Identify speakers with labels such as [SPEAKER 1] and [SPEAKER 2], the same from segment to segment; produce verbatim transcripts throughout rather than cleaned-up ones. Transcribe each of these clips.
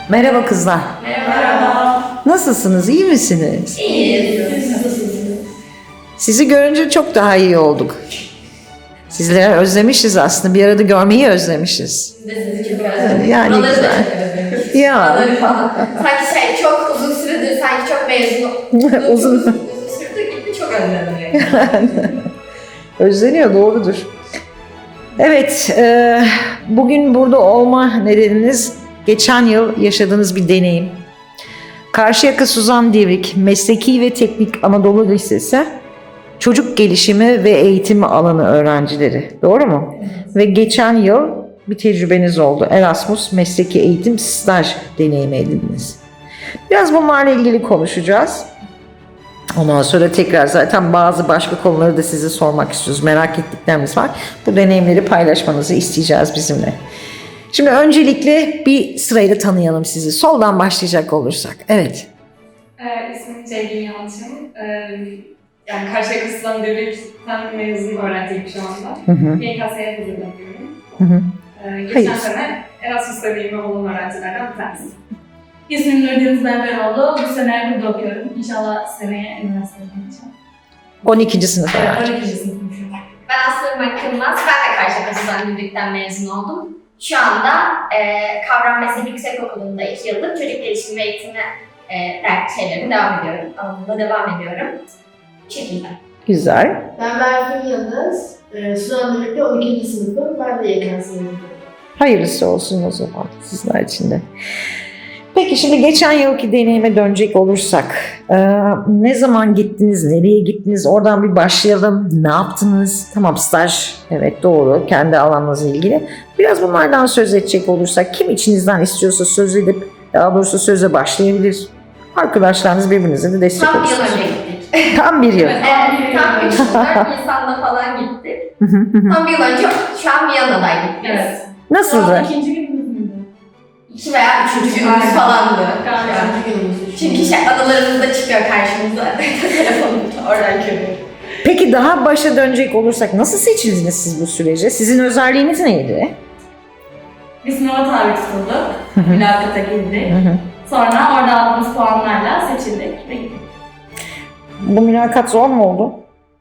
[SPEAKER 1] Merhaba kızlar.
[SPEAKER 2] Merhaba.
[SPEAKER 1] Nasılsınız? İyi misiniz?
[SPEAKER 2] İyiyiz. Siz nasılsınız?
[SPEAKER 1] Sizi görünce çok daha iyi olduk. Sizleri özlemişiz aslında. Bir arada görmeyi özlemişiz.
[SPEAKER 2] Biz de sizi çok özledik.
[SPEAKER 1] Yani
[SPEAKER 2] Buraları da
[SPEAKER 1] güzel.
[SPEAKER 2] çok özledik.
[SPEAKER 1] Ya.
[SPEAKER 2] Buraları falan. Sanki şey çok uzun süredir, sanki çok mezun
[SPEAKER 1] Uzun.
[SPEAKER 2] uzun, uzun süredir gibi çok özledim.
[SPEAKER 1] Özleniyor, doğrudur. Evet, e, bugün burada olma nedeniniz geçen yıl yaşadığınız bir deneyim. Karşıyaka Suzan Divrik Mesleki ve Teknik Anadolu Lisesi çocuk gelişimi ve eğitimi alanı öğrencileri. Doğru mu? Ve geçen yıl bir tecrübeniz oldu. Erasmus Mesleki Eğitim Staj deneyimi edindiniz. Biraz bunlarla ilgili konuşacağız. Ondan sonra tekrar zaten bazı başka konuları da size sormak istiyoruz. Merak ettiklerimiz var. Bu deneyimleri paylaşmanızı isteyeceğiz bizimle. Şimdi öncelikle bir sırayla tanıyalım sizi. Soldan başlayacak olursak. Evet.
[SPEAKER 3] Ee, ismim Ceylin Yalçın. Ee, yani Karşıyaka Suzan Divrik'ten mezun öğrenciyim şu anda.
[SPEAKER 1] Hı hı.
[SPEAKER 3] Y K S'ye hazırlanıyorum.
[SPEAKER 1] Hı hı.
[SPEAKER 3] Ee, geçen
[SPEAKER 1] Hayır.
[SPEAKER 3] sene Erasmus deneyimi olan öğrencilerden bir tanesi.
[SPEAKER 4] İsmim Nurdeniz Berberoğlu. Bu sene burada okuyorum. İnşallah seneye üniversiteye gideceğim.
[SPEAKER 1] on ikinci sınıf
[SPEAKER 4] Evet,
[SPEAKER 1] öğrenci.
[SPEAKER 4] on ikinci sınıfım şu an.
[SPEAKER 2] Ben Aslı Makılmaz. Ben de Karşıyaka Suzan Divrik'ten mezun oldum. Şu anda e, Kavram Meslek Yüksekokulu'nda iki yıllık çocuk gelişimi ve eğitimi e, ders şeylerine devam ediyorum. Alanında devam ediyorum. Bu şekilde.
[SPEAKER 1] Güzel.
[SPEAKER 5] Ben Berfin Yıldız. Ee, Suzan Divrik'te on ikinci sınıfım. Ben de Y K S'yim.
[SPEAKER 1] Hayırlısı olsun o zaman sizler için de. Peki şimdi geçen yılki deneyime dönecek olursak, e, ne zaman gittiniz, nereye gittiniz, oradan bir başlayalım, ne yaptınız? Tamam, staj, evet doğru, kendi alanınızla ilgili. Biraz bunlardan söz edecek olursak, kim içinizden istiyorsa söz edip, daha doğrusu söze başlayabilir. Arkadaşlarınız birbirinize de destek
[SPEAKER 2] Tam bir yıl
[SPEAKER 1] olsun.
[SPEAKER 2] önce gittik.
[SPEAKER 1] Tam bir yıl.
[SPEAKER 2] Evet, tam üç dört Nisan'da falan gittik. Tam bir yıl önce şu an Viyana'daydık biz.
[SPEAKER 4] Evet.
[SPEAKER 1] Nasıldı?
[SPEAKER 4] İkinci günümüz müydü?
[SPEAKER 2] İki veya üçüncü günümüz falandı.
[SPEAKER 4] Galiba.
[SPEAKER 5] Üçüncü günümüz.
[SPEAKER 2] Çünkü şey anılarımızda çıkıyor karşımıza. Telefonumda oradan görüyorum.
[SPEAKER 1] Peki daha başa dönecek olursak, nasıl seçildiniz siz bu sürece? Sizin özelliğiniz neydi?
[SPEAKER 4] Biz sınava tabi tutulduk. Mülakata girdik. Sonra orada aldığımız puanlarla seçildik ve gittik.
[SPEAKER 1] Bu mülakat zor mu oldu?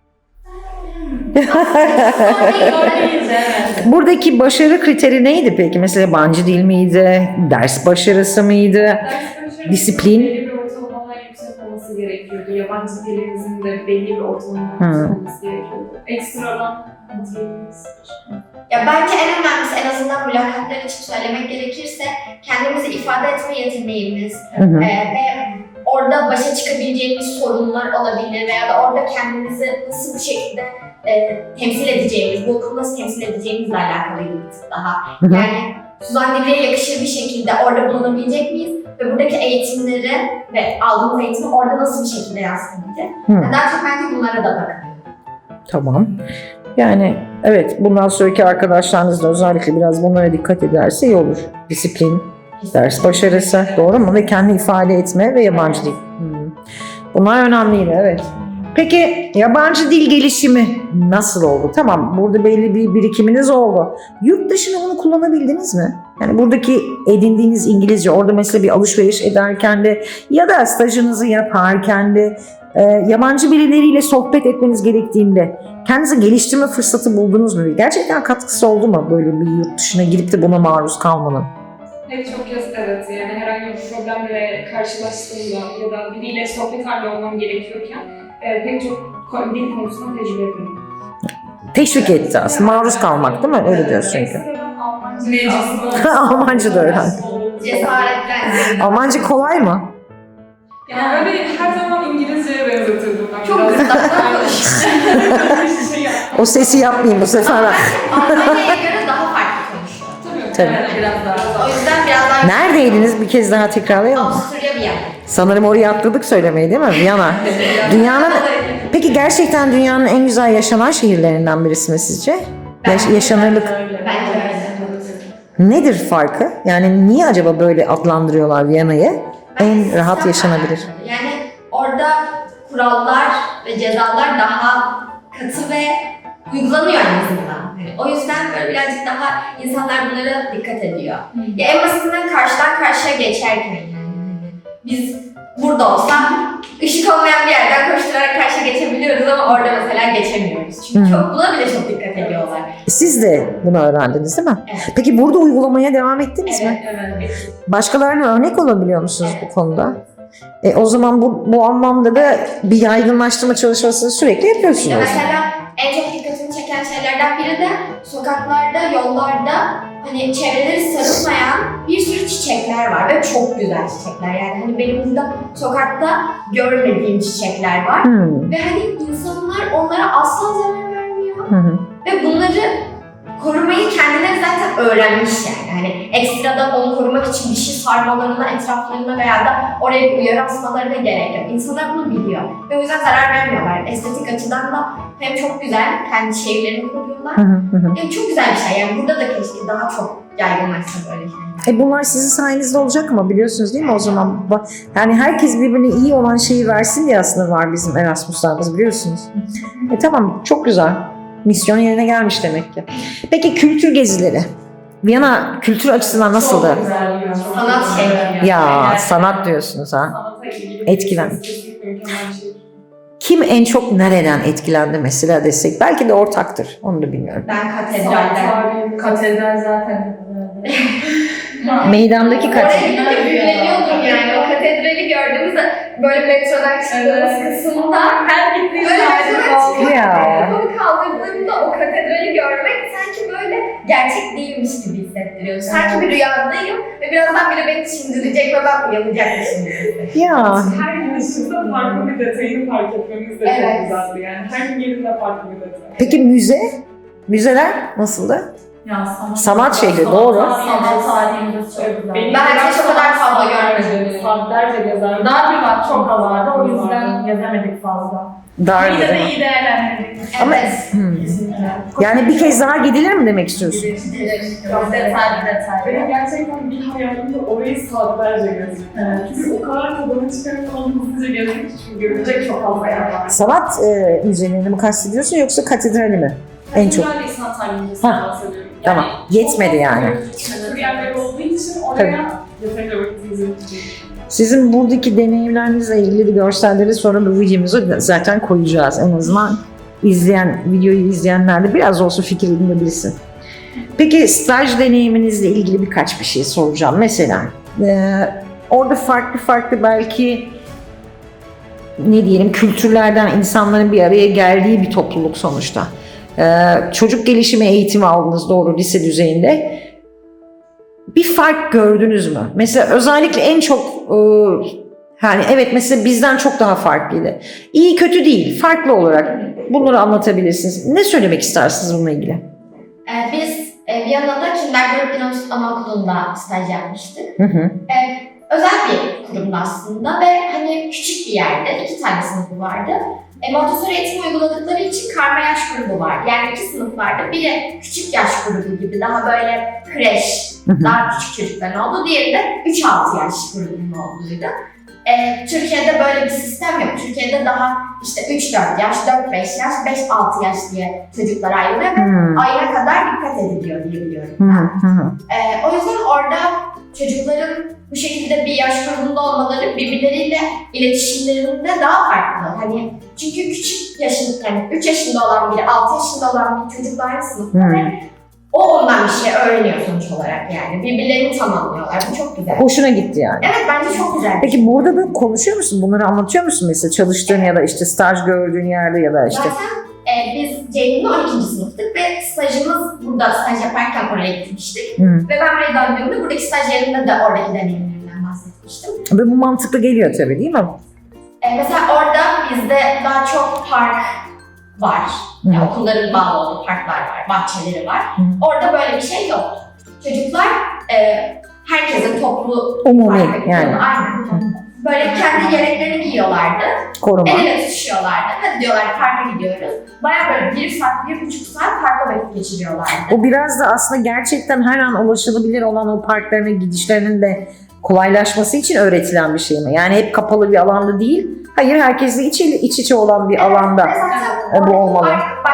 [SPEAKER 4] Zor değildi, evet.
[SPEAKER 1] Buradaki başarı kriteri neydi peki? Mesela yabancı dil miydi? Ders başarısı mıydı?
[SPEAKER 3] Ders başarısı
[SPEAKER 1] Disiplin.
[SPEAKER 3] belli bir ortalamadan yüksek olması gerekiyordu. Yabancı dilimizin de belli bir ortalamadan
[SPEAKER 1] Hı.
[SPEAKER 3] yüksek olması gerekiyordu. Ekstradan kontrolümüz.
[SPEAKER 2] Ya bence en önemlisi, en azından mülakatlar için söylemek gerekirse, kendimizi ifade etme yeteneğimiz
[SPEAKER 1] Hı hı.
[SPEAKER 2] e, ve orada başa çıkabileceğimiz sorunlar olabilir veya da orada kendimizi nasıl bir şekilde e, temsil edeceğimiz, bu okulu nasıl temsil edeceğimizle alakalıydı bir tık daha.
[SPEAKER 1] Hı hı.
[SPEAKER 2] Yani Suzan Divriğe yakışır bir şekilde orada bulunabilecek miyiz ve buradaki eğitimleri ve aldığımız eğitimi orada nasıl bir şekilde yansıtabileceğiz?
[SPEAKER 1] Hı.
[SPEAKER 2] Daha çok bence bunlara da bakın.
[SPEAKER 1] Tamam. Yani evet, bundan sonraki arkadaşlarınız da özellikle biraz bunlara dikkat ederse iyi olur. Disiplin, ders başarısı, doğru mu? Ve kendi ifade etme ve yabancı dil. Hmm. Bunlar önemliydi, evet. Peki yabancı dil gelişimi nasıl oldu? Tamam, burada belli bir birikiminiz oldu. Yurt dışında bunu kullanabildiniz mi? Yani buradaki edindiğiniz İngilizce, orada mesela bir alışveriş ederken de ya da stajınızı yaparken de e, yabancı birileriyle sohbet etmeniz gerektiğinde kendinizi geliştirme fırsatı buldunuz mu? Gerçekten katkısı oldu mu böyle bir yurt dışına girip de buna maruz kalmanın?
[SPEAKER 3] Pek çok kez evet, yani herhangi bir problemle karşılaştığımda ya da biriyle sohbet halinde olmam gerekiyorken e, pek çok ko- dil konusunda tecrübe ettim.
[SPEAKER 1] Teşvik etti aslında. Maruz kalmak değil mi? Öyle diyorsun çünkü.
[SPEAKER 3] Ekstradan Almanca
[SPEAKER 4] Meclis.
[SPEAKER 1] Almanca da öğren.
[SPEAKER 2] Cesaretlendim.
[SPEAKER 1] Almanca kolay mı?
[SPEAKER 3] Yani öyle her zaman İngilizceye benzetirdim ben.
[SPEAKER 2] Çok
[SPEAKER 3] biraz.
[SPEAKER 2] gırtlaktan konuşuyor.
[SPEAKER 3] şey yaptım.
[SPEAKER 1] O sesi yapmayayım bu sefer.
[SPEAKER 2] Almanya'ya göre daha farklı konuşuyor.
[SPEAKER 3] Tabii.
[SPEAKER 1] Tabii.
[SPEAKER 4] Evet, biraz daha.
[SPEAKER 2] O yüzden biraz daha...
[SPEAKER 1] Neredeydiniz? Bir kez daha tekrarlayalım mı?
[SPEAKER 2] Avusturya bir yer.
[SPEAKER 1] Sanırım oraya atladık söylemeyi değil mi? Viyana. Dünyanın... Peki gerçekten dünyanın en güzel yaşanan şehirlerinden birisi mi sizce? Yaş- yaşanırlık.
[SPEAKER 2] Bence öyle.
[SPEAKER 1] Nedir farkı? Yani niye acaba böyle adlandırıyorlar Viyana'yı? En rahat yaşanabilir.
[SPEAKER 2] Yani orada kurallar ve cezalar daha katı ve uygulanıyor en azından. Yani o yüzden böyle birazcık daha insanlar bunlara dikkat ediyor. Ya en basitinden karşıdan karşıya geçerken yani hani biz burada olsak ışık olmayan bir yerden koşturarak karşıya geçebiliyoruz ama orada mesela geçemiyoruz. Çünkü
[SPEAKER 1] Hı.
[SPEAKER 2] çok, buna bile çok dikkat ediyorlar.
[SPEAKER 1] Siz de bunu öğrendiniz değil mi?
[SPEAKER 2] Evet.
[SPEAKER 1] Peki burada uygulamaya devam ettiniz mi?
[SPEAKER 3] Evet.
[SPEAKER 1] Başkalarına örnek olabiliyor musunuz bu konuda? E, o zaman bu, bu anlamda da bir yaygınlaştırma çalışmasını sürekli
[SPEAKER 2] Ya
[SPEAKER 1] yapıyorsunuz.
[SPEAKER 2] mesela en çok dikkatimi çeken şeylerden biri de sokaklarda, yollarda hani çevreleri sarılmayan bir sürü çiçekler var ve çok güzel çiçekler. Yani hani benim burada sokakta görmediğim çiçekler var.
[SPEAKER 1] Hmm.
[SPEAKER 2] Ve hani insanlar onlara asla zarar vermiyor.
[SPEAKER 1] Hı hı.
[SPEAKER 2] Ve bunları korumayı kendileri zaten öğrenmiş yani. Hani ekstradan onu korumak için bir şey sarmalarına, etraflarına veya da oraya bir uyarı asmalarına gerek yok. İnsanlar bunu biliyor. Ve o yüzden zarar vermiyorlar. Estetik açıdan da hem çok güzel, kendi şehirlerini koruyorlar.
[SPEAKER 1] Hı hı hı.
[SPEAKER 2] Hem çok güzel bir şey. Yani burada da keşke daha çok yaygınlaşsa böyle şeyler.
[SPEAKER 1] E bunlar sizin sayenizde olacak ama biliyorsunuz değil mi o zaman? Ba- Yani herkes birbirine iyi olan şeyi versin diye aslında var bizim Erasmus'larımız biliyorsunuz. E tamam, çok güzel. Misyon yerine gelmiş demek ki. Peki kültür gezileri? Viyana kültür açısından nasıldı?
[SPEAKER 3] Çok güzel bir çok
[SPEAKER 2] Sanat
[SPEAKER 3] güzel.
[SPEAKER 2] şehri.
[SPEAKER 1] Ya
[SPEAKER 3] Evet.
[SPEAKER 1] sanat diyorsunuz ha.
[SPEAKER 3] Sanata ilgili
[SPEAKER 1] Etkilen.
[SPEAKER 3] kesinlikle mükemmel bir şey.
[SPEAKER 1] Kim en çok nereden etkilendi mesela desek? Belki de ortaktır. Onu da bilmiyorum.
[SPEAKER 2] Ben
[SPEAKER 3] Sanat
[SPEAKER 2] katedralden.
[SPEAKER 3] tarihi,
[SPEAKER 4] Katedral zaten.
[SPEAKER 1] Meydandaki
[SPEAKER 2] Oraya
[SPEAKER 1] katedral.
[SPEAKER 2] gidince büyüleniyordum yani. O katedrali gördüğümüzde böyle metrodan çıktığımız
[SPEAKER 3] Evet.
[SPEAKER 2] kısımda
[SPEAKER 3] her gittiğim
[SPEAKER 2] böyle
[SPEAKER 3] yerde
[SPEAKER 2] metrodan
[SPEAKER 3] bağlı.
[SPEAKER 2] çıkıp
[SPEAKER 1] Ya.
[SPEAKER 2] kafamı kaldırdığımda o katedrali görmek sanki böyle gerçek değilmiş gibi hissettiriyor. Sanki bir rüyadayım ve birazdan biri beni çindirecek ve ben uyanacakmışım gibi hissediyorum.
[SPEAKER 1] Ya
[SPEAKER 3] Her gün ışıkta farklı bir detayını fark etmemiz de
[SPEAKER 2] Evet.
[SPEAKER 3] çok güzeldi yani. Her gün yerinde farklı bir detay.
[SPEAKER 1] peki müze? Müzeler nasıldı?
[SPEAKER 4] Ya sanat,
[SPEAKER 1] Sanat şehri, doğru.
[SPEAKER 4] Sanat tarihimiz çok güzel.
[SPEAKER 3] Benim
[SPEAKER 2] Ben
[SPEAKER 3] biraz
[SPEAKER 2] hiç o kadar fazla
[SPEAKER 3] saatlerce,
[SPEAKER 2] görmedim.
[SPEAKER 3] Saatlerce gezerdim.
[SPEAKER 4] Dar bir vakit çok az vardı, o
[SPEAKER 3] Vardı.
[SPEAKER 4] yüzden gezemedik fazla.
[SPEAKER 1] Dar
[SPEAKER 4] Yine de
[SPEAKER 1] değil mi?
[SPEAKER 4] iyi değerlendirdik.
[SPEAKER 1] Ama-
[SPEAKER 2] Evet.
[SPEAKER 1] Hmm.
[SPEAKER 4] Kesinlikle.
[SPEAKER 1] Yani bir kez daha gidilir mi demek istiyorsun?
[SPEAKER 4] Çok detaylı detaylı.
[SPEAKER 3] Benim gerçekten bir hayalimde orayı saatlerce gezdim.
[SPEAKER 4] Evet.
[SPEAKER 3] Çünkü o kadar tadını çıkarıp onu hızlıca gezmek için görülecek çok fazla yer var.
[SPEAKER 1] Sanat e, müzelerini mi kastediyorsun yoksa katedrali mi? En çok.
[SPEAKER 3] Katedrali sanat tarihinden
[SPEAKER 1] Ha,
[SPEAKER 3] bahsediyorum.
[SPEAKER 1] tamam. Yetmedi yani.
[SPEAKER 3] Küçük bir yerler olduğu için oraya yeterince vaktimiz yok.
[SPEAKER 1] Sizin buradaki deneyimlerinizle ilgili de görselleri sonra bu videomuza zaten koyacağız. En azından izleyen, videoyu izleyenler de biraz olsun fikir edinebilsin. Peki staj deneyiminizle ilgili birkaç bir şey soracağım. Mesela e, orada farklı farklı belki ne diyelim kültürlerden insanların bir araya geldiği bir topluluk sonuçta. E, çocuk gelişimi eğitimi aldınız doğru lise düzeyinde. Bir fark gördünüz mü? Mesela özellikle en çok e, yani evet mesela bizden çok daha farklıydı. İyi kötü değil, farklı olarak bunları anlatabilirsiniz. Ne söylemek istersiniz bununla ilgili?
[SPEAKER 2] Ee, biz e, Viyana'da Kindergarten Anaokulu'nda staj yapmıştık.
[SPEAKER 1] Hı hı.
[SPEAKER 2] Ee, özel bir kurumdu aslında ve hani küçük bir yerde iki tane sınıfı vardı. E, Montessori eğitimi uyguladıkları için karma yaş grubu var. Yani iki sınıf vardı. Biri küçük yaş grubu gibi daha böyle kreş,
[SPEAKER 1] Hı hı.
[SPEAKER 2] daha küçük çocukların olduğu. Diğeri de üç altı yaş grubunun olduğuydu. E, Türkiye'de böyle bir sistem yok. Türkiye'de daha işte üç dört yaş, dört beş yaş, beş altı yaş diye çocuklar ayrılıyor ve
[SPEAKER 1] Hı
[SPEAKER 2] ayına kadar dikkat ediliyor diye biliyorum
[SPEAKER 1] hı
[SPEAKER 2] ben.
[SPEAKER 1] hı.
[SPEAKER 2] Ee, o yüzden orada çocukların bu şekilde bir yaş grubunda olmaları birbirleriyle iletişimlerinde daha farklı. Hani çünkü küçük yaşında, hani üç yaşında olan biri, altı yaşında olan bir çocukla aynı sınıfta
[SPEAKER 1] Hmm.
[SPEAKER 2] ve o ondan bir şey öğreniyor sonuç olarak yani. Birbirlerini tamamlıyorlar. Bu çok güzel.
[SPEAKER 1] Hoşuna gitti yani.
[SPEAKER 2] Evet bence çok güzel.
[SPEAKER 1] Peki burada da konuşuyor musun? Bunları anlatıyor musun mesela çalıştığın ya da işte staj gördüğün yerde ya da işte.
[SPEAKER 2] Zaten e, biz Ceyhun'la on ikinci sınıftık ve stajımız burada staj yaparken oraya gitmiştik.
[SPEAKER 1] Hı.
[SPEAKER 2] Ve ben buraya döndüğümde buradaki staj yerinde de oradaki deneyimlerimden bahsetmiştim.
[SPEAKER 1] Ve bu mantıklı geliyor tabii değil mi?
[SPEAKER 2] Ee, mesela orada bizde daha çok park var.
[SPEAKER 1] Hı.
[SPEAKER 2] Yani okulların bağlı olduğu parklar var, bahçeleri var.
[SPEAKER 1] Hı.
[SPEAKER 2] Orada böyle bir şey yok. Çocuklar e, herkesin toplu
[SPEAKER 1] Umumi
[SPEAKER 2] parka gidiyordu.
[SPEAKER 1] yani.
[SPEAKER 2] Aynen. Böyle kendi yeleklerini giyiyorlardı.
[SPEAKER 1] Koruma.
[SPEAKER 2] El ele tutuşuyorlardı. Hadi diyorlar parka gidiyoruz. Baya böyle bir saat, bir buçuk saat parkta vakit geçiriyorlardı.
[SPEAKER 1] O biraz da aslında gerçekten her an ulaşılabilir olan o parkların gidişlerinin de kolaylaşması için öğretilen bir şey mi? Yani hep kapalı bir alanda değil. Hayır, herkesle iç, iç içe olan bir alanda.
[SPEAKER 2] Ve zaten
[SPEAKER 1] E, bu
[SPEAKER 2] oradaki
[SPEAKER 1] olmalı.
[SPEAKER 2] park başka okul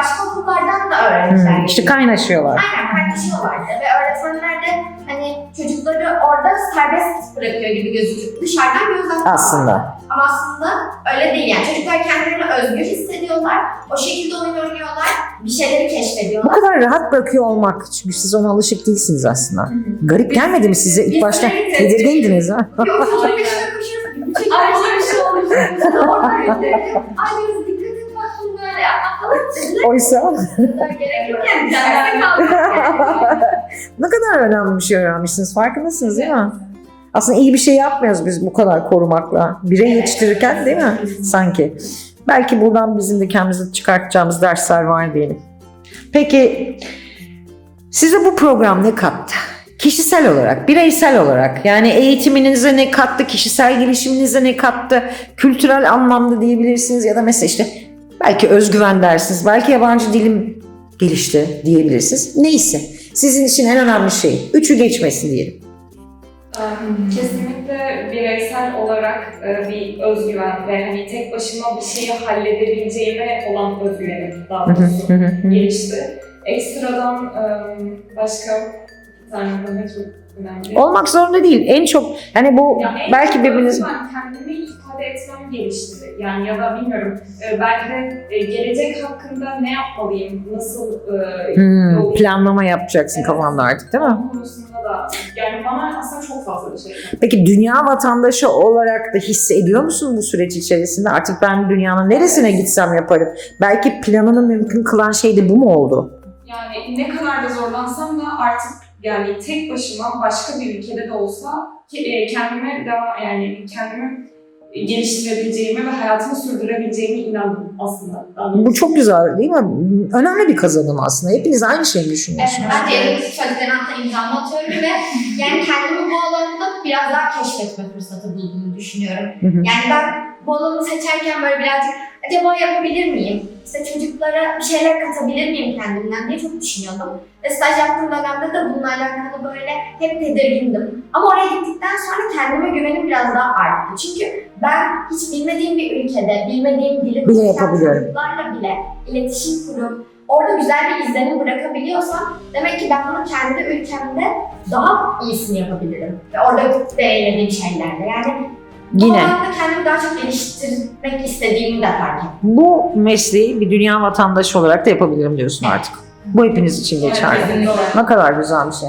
[SPEAKER 2] okullardan da öğrenciler
[SPEAKER 1] Hmm, işte
[SPEAKER 2] geliyor.
[SPEAKER 1] kaynaşıyorlar.
[SPEAKER 2] Aynen paylaşıyorlardı ve öğretmenler de hani çocukları orada serbest bırakıyor gibi gözüküyor. Dışarıdan gözden tutuyorlar.
[SPEAKER 1] Aslında.
[SPEAKER 2] Ama aslında öyle değil yani. Çocuklar kendilerini özgür hissediyorlar. O şekilde oyun oynuyorlar. Bir şeyleri
[SPEAKER 1] Bu
[SPEAKER 2] keşfediyorlar.
[SPEAKER 1] kadar rahat bırakıyor olmak. Çünkü siz ona alışık değilsiniz aslında. Garip gelmedi mi size? İlk
[SPEAKER 2] biz
[SPEAKER 1] başta
[SPEAKER 2] sürekli-
[SPEAKER 1] tedirgindiniz ha?
[SPEAKER 2] Yok, çocuk
[SPEAKER 4] Aynen.
[SPEAKER 2] peşine koşuyoruz.
[SPEAKER 4] Ay bir şey olmuş.
[SPEAKER 2] Oradan gidiyor. Ay diyoruz dikkat et bak bunu böyle yapma falan dediler.
[SPEAKER 1] Oysa
[SPEAKER 2] Gerek yok yani. Derste kaldık yani.
[SPEAKER 1] ne kadar önemli bir şey öğrenmişsiniz. Farkındasınız değil mi? Aslında iyi bir şey yapmıyoruz biz bu kadar korumakla. Birey yetiştirirken değil mi? Sanki. Belki buradan bizim de kendimize çıkartacağımız dersler var diyelim. Peki size bu program ne kattı? Kişisel olarak, bireysel olarak yani eğitiminize ne kattı, kişisel gelişiminize ne kattı, kültürel anlamda diyebilirsiniz ya da mesela işte belki özgüven dersiniz, belki yabancı dilim gelişti diyebilirsiniz. Neyse sizin için en önemli şey, üçü geçmesin diyelim.
[SPEAKER 3] Kesinlikle bireysel olarak e, bir özgüven ve hani tek başıma bir şeyi halledebileceğime olan özgüvenim daha doğrusu gelişti. Ekstradan e, başka bir tane daha çok önemli.
[SPEAKER 1] Olmak zorunda değil. En çok hani bu
[SPEAKER 3] Yani en
[SPEAKER 1] belki
[SPEAKER 3] çok
[SPEAKER 1] birbiriniz
[SPEAKER 3] özgüven kendimi ifade etmem gelişti. Yani ya da bilmiyorum e, belki de e, gelecek hakkında ne yapmalıyım, nasıl e,
[SPEAKER 1] Hmm,
[SPEAKER 3] yol-
[SPEAKER 1] planlama yapacaksın
[SPEAKER 3] Evet.
[SPEAKER 1] kafanda artık değil mi?
[SPEAKER 3] Bu konusunda da yani bana aslında çok fazla bir şey kattı.
[SPEAKER 1] Peki dünya vatandaşı olarak da hissediyor musun bu süreç içerisinde? Artık ben dünyanın neresine gitsem yaparım. Belki planını mümkün kılan şey de bu mu oldu?
[SPEAKER 3] Yani ne kadar da zorlansam da artık yani tek başıma başka bir ülkede de olsa ke- e, kendime devam yani kendimi geliştirebileceğime ve hayatımı sürdürebileceğime inandım aslında.
[SPEAKER 1] Bu çok güzel değil mi? Önemli bir kazanım aslında. Hepiniz aynı şeyi
[SPEAKER 2] Evet,
[SPEAKER 1] düşünüyorsunuz.
[SPEAKER 2] ben de elimdeki söylediklerin altına imzamı atıyorum ve yani kendimi bu alanda biraz daha keşfetme fırsatı bulduğumu düşünüyorum.
[SPEAKER 1] Hı hı.
[SPEAKER 2] Yani ben bu alanı seçerken böyle birazcık acaba yapabilir miyim? İşte çocuklara bir şeyler katabilir miyim kendimden diye çok düşünüyordum. Ve staj yaptığım dönemde de bununla alakalı böyle hep tedirgindim. Ama oraya gittikten sonra kendime güvenim biraz daha arttı. Çünkü ben hiç bilmediğim bir ülkede, bilmediğim dili
[SPEAKER 1] Bile
[SPEAKER 2] konuşan
[SPEAKER 1] yapabiliyorum.
[SPEAKER 2] çocuklarla bile iletişim kurup orada güzel bir izlenim bırakabiliyorsam demek ki ben bunu kendi ülkemde daha iyisini yapabilirim. Ve orada deneyimlediğim şeylerle. Yani bu
[SPEAKER 1] Yine
[SPEAKER 2] alanda kendimi daha çok geliştirmek istediğimi de fark ettim.
[SPEAKER 1] bu mesleği bir dünya vatandaşı olarak da yapabilirim diyorsun artık. Bu hepiniz için geçerli. Ne kadar güzel bir şey.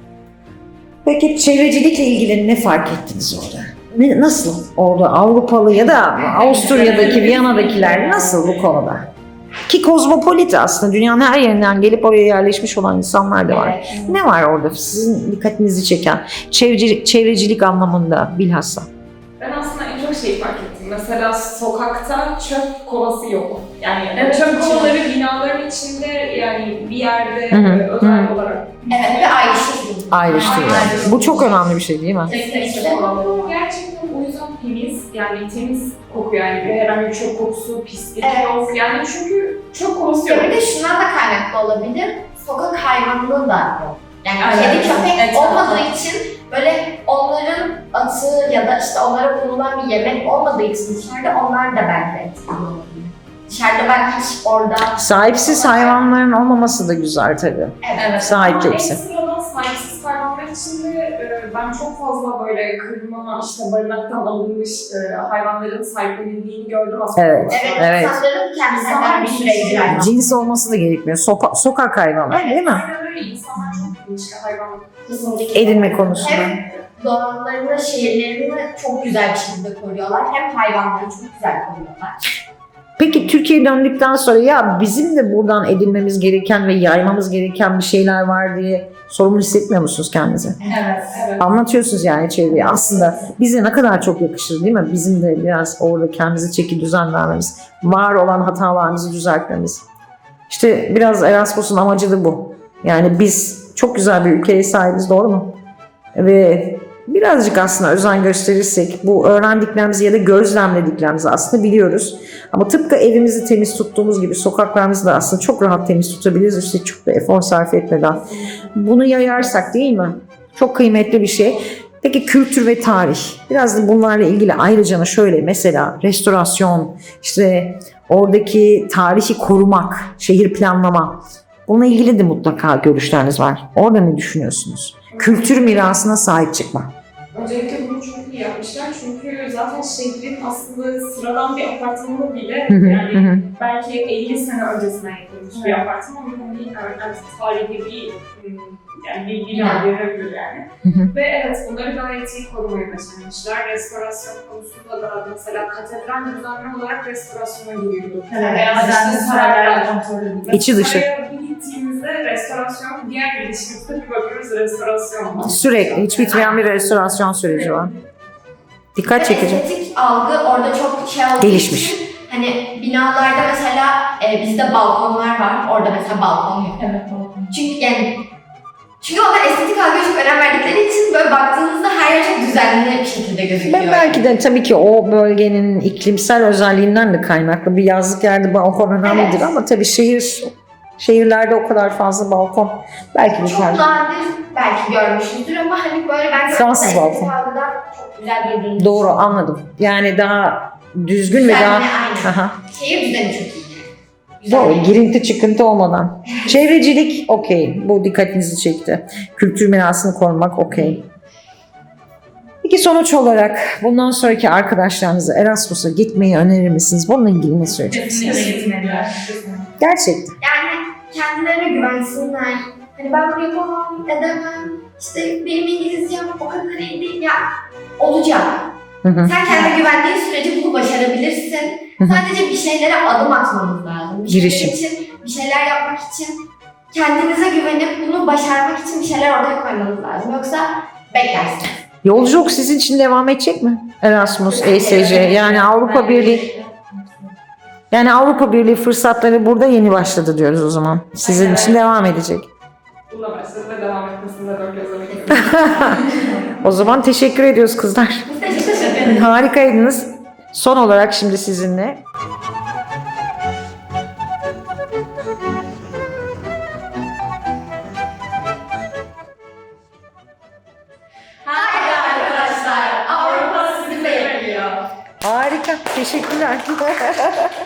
[SPEAKER 1] Peki çevrecilikle ilgili ne fark ettiniz orada? Ne, nasıl orada Avrupalı ya da Avusturya'daki, Viyana'dakiler nasıl bu konuda? Ki kozmopolit aslında dünyanın her yerinden gelip oraya yerleşmiş olan insanlar da var.
[SPEAKER 2] Evet.
[SPEAKER 1] Ne var orada sizin dikkatinizi çeken çevrecilik, çevrecilik anlamında bilhassa?
[SPEAKER 3] Ben aslında en çok şeyi fark ettim. Mesela sokakta çöp kovası yok. Yani
[SPEAKER 4] Evet,
[SPEAKER 3] çöp
[SPEAKER 4] çok.
[SPEAKER 3] kovaları binaların içinde yani bir yerde
[SPEAKER 1] Hı hı,
[SPEAKER 3] e, özel
[SPEAKER 1] hı.
[SPEAKER 3] olarak.
[SPEAKER 2] Evet ve ayrıştırdım.
[SPEAKER 1] Ayrıştırıyor.
[SPEAKER 3] Aynen.
[SPEAKER 1] Bu çok önemli bir şey değil mi?
[SPEAKER 2] Kesinlikle.
[SPEAKER 3] Sokak gerçekten o yüzden temiz. Yani temiz kokuyor yani. Bir herhangi bir çöp kokusu, pislik
[SPEAKER 2] Evet.
[SPEAKER 3] yok. Yani çünkü çöp kovası yok.
[SPEAKER 2] Ya bir de şundan da kaynaklı olabilir. Sokak hayvanlığı da yok. Yani
[SPEAKER 4] Aynen.
[SPEAKER 2] kedi köpek
[SPEAKER 4] Evet,
[SPEAKER 2] olmadığı
[SPEAKER 4] evet.
[SPEAKER 2] için böyle onların atı ya da işte onlara bulunan bir yemek olmadığı için dışarıda onlar da belki etkili olabilir. Dışarıda ben hiç orada...
[SPEAKER 1] Sahipsiz hayvanların olmaması da güzel tabii.
[SPEAKER 2] Evet.
[SPEAKER 1] Sahipli
[SPEAKER 3] Ama
[SPEAKER 1] hepsi.
[SPEAKER 3] ekstradan sahipsiz hayvanlar için de e, ben çok fazla böyle kırma, işte barınaktan alınmış e, hayvanların sahiplenildiğini gördüm aslında.
[SPEAKER 1] Evet.
[SPEAKER 2] Evet,
[SPEAKER 1] Evet.
[SPEAKER 2] insanların kendisinden bir süre girer.
[SPEAKER 1] Cins olması da gerekmiyor. Sopa- sokak hayvanlar değil mi?
[SPEAKER 3] Aynen öyle. İnsanlar çok bilinçli hayvan.
[SPEAKER 2] Kesinlikle.
[SPEAKER 1] Edinme konusunda.
[SPEAKER 2] Hem doğanlarını, şehirlerini çok güzel bir şekilde koruyorlar. Hem hayvanları çok güzel koruyorlar.
[SPEAKER 1] Peki Türkiye'ye döndükten sonra ya bizim de buradan edinmemiz gereken ve yaymamız gereken bir şeyler var diye sorumlu hissetmiyor musunuz kendinizi?
[SPEAKER 4] Evet.
[SPEAKER 3] Evet.
[SPEAKER 1] Anlatıyorsunuz yani çevreye. Aslında bize ne kadar çok yakışır değil mi? Bizim de biraz orada kendimize çeki düzen vermemiz, var olan hatalarımızı düzeltmemiz. İşte biraz Erasmus'un amacı da bu. Yani biz çok güzel bir ülkeye sahibiz, doğru mu? Ve birazcık aslında özen gösterirsek bu öğrendiklerimizi ya da gözlemlediklerimizi aslında biliyoruz. Ama tıpkı evimizi temiz tuttuğumuz gibi sokaklarımızı da aslında çok rahat temiz tutabiliriz. İşte çok da efor sarf etmeden. Bunu yayarsak değil mi? Çok kıymetli bir şey. Peki kültür ve tarih. Biraz da bunlarla ilgili ayrıca şöyle mesela restorasyon, işte oradaki tarihi korumak, şehir planlama. Bununla ilgili de mutlaka görüşleriniz var. Orada ne düşünüyorsunuz? Kültür mirasına sahip çıkmak.
[SPEAKER 3] Öncelikle bunu çok iyi yapmışlar çünkü zaten şehrin aslında sıradan bir apartmanı bile
[SPEAKER 1] Hı hı,
[SPEAKER 3] yani
[SPEAKER 1] hı hı.
[SPEAKER 3] belki elli sene öncesinden yapılmış bir apartman ama hani artık tarihi bir ım, yani bir bina görebilir yani.
[SPEAKER 1] Hı hı.
[SPEAKER 3] Ve evet bunları gayet iyi korumayı başarmışlar. Restorasyon konusunda da mesela katedral düzenli olarak restorasyona giriyordu.
[SPEAKER 5] Evet,
[SPEAKER 3] Veya
[SPEAKER 5] düzenli
[SPEAKER 3] işte
[SPEAKER 5] saraylar
[SPEAKER 3] saraylar.
[SPEAKER 5] kontrol edildi.
[SPEAKER 1] İçi dışı.
[SPEAKER 3] Saraya bir gittiğimizde restorasyon, diğer girişimizde bir bakıyoruz restorasyon.
[SPEAKER 1] Sürekli hiç bitmeyen bir restorasyon süreci var. Dikkat
[SPEAKER 2] Ve
[SPEAKER 1] çekici.
[SPEAKER 2] estetik algı orada çok şey olduğu
[SPEAKER 1] Gelişmiş.
[SPEAKER 2] için hani binalarda mesela e, bizde balkonlar var. Orada mesela balkon yok.
[SPEAKER 5] Evet, doğru.
[SPEAKER 2] Çünkü yani çünkü onlar estetik algıya çok önem verdikleri için böyle baktığınızda her yer çok düzenli bir şekilde gözüküyor.
[SPEAKER 1] Ben belki de tabii ki o bölgenin iklimsel özelliğinden de kaynaklı. Bir yazlık yerde balkon önemlidir
[SPEAKER 2] Evet.
[SPEAKER 1] ama tabii şehir şehirlerde o kadar fazla balkon belki bir
[SPEAKER 2] Çok
[SPEAKER 1] tercih.
[SPEAKER 2] nadir belki görmüşüzdür ama hani böyle bence
[SPEAKER 1] Fransız
[SPEAKER 2] estetik
[SPEAKER 1] balkon.
[SPEAKER 2] algıdan çok güzel durduğunu
[SPEAKER 1] Doğru, anladım. Yani daha düzgün ve
[SPEAKER 2] Düzenli,
[SPEAKER 1] daha...
[SPEAKER 2] aynen.
[SPEAKER 1] Aha.
[SPEAKER 2] Şehir düzeni çok iyi. Güzel.
[SPEAKER 1] Doğru, girinti çıkıntı olmadan. Çevrecilik okey, bu dikkatinizi çekti. Kültür mirasını korumak okey. Peki sonuç olarak bundan sonraki arkadaşlarınıza Erasmus'a gitmeyi önerir misiniz? Bununla ilgili ne söyleyeceksiniz?
[SPEAKER 4] Kesinlikle gitmeliler.
[SPEAKER 1] Gerçekten.
[SPEAKER 2] Yani kendilerine güvensinler. Hani ben bunu yapamam, edemem. İşte benim İngilizcem o kadar iyi değil. Ya olacak.
[SPEAKER 1] Hı hı.
[SPEAKER 2] Sen kendine güvendiğin sürece bunu başarabilirsin.
[SPEAKER 1] Hı hı.
[SPEAKER 2] Sadece bir şeylere adım atmanız lazım. Bir şeyler
[SPEAKER 1] Girişim.
[SPEAKER 2] için, bir şeyler yapmak için kendinize güvenip bunu başarmak için bir şeyler ortaya koymanız lazım. Yoksa beklersiniz.
[SPEAKER 1] Yolculuk sizin için devam edecek mi? Erasmus, E S C yani Avrupa Birliği. Yani Avrupa Birliği fırsatları burada yeni başladı diyoruz o zaman. Sizin için devam edecek.
[SPEAKER 3] Bununla başladı ve devam etmesinde dört gözle bekliyorum.
[SPEAKER 1] O zaman teşekkür ediyoruz kızlar.
[SPEAKER 2] Biz de teşekkür ederiz.
[SPEAKER 1] Harikaydınız. Son olarak şimdi sizinle.
[SPEAKER 2] Haydi arkadaşlar, Avrupa sizi bekliyor.
[SPEAKER 1] Harika. Teşekkürler.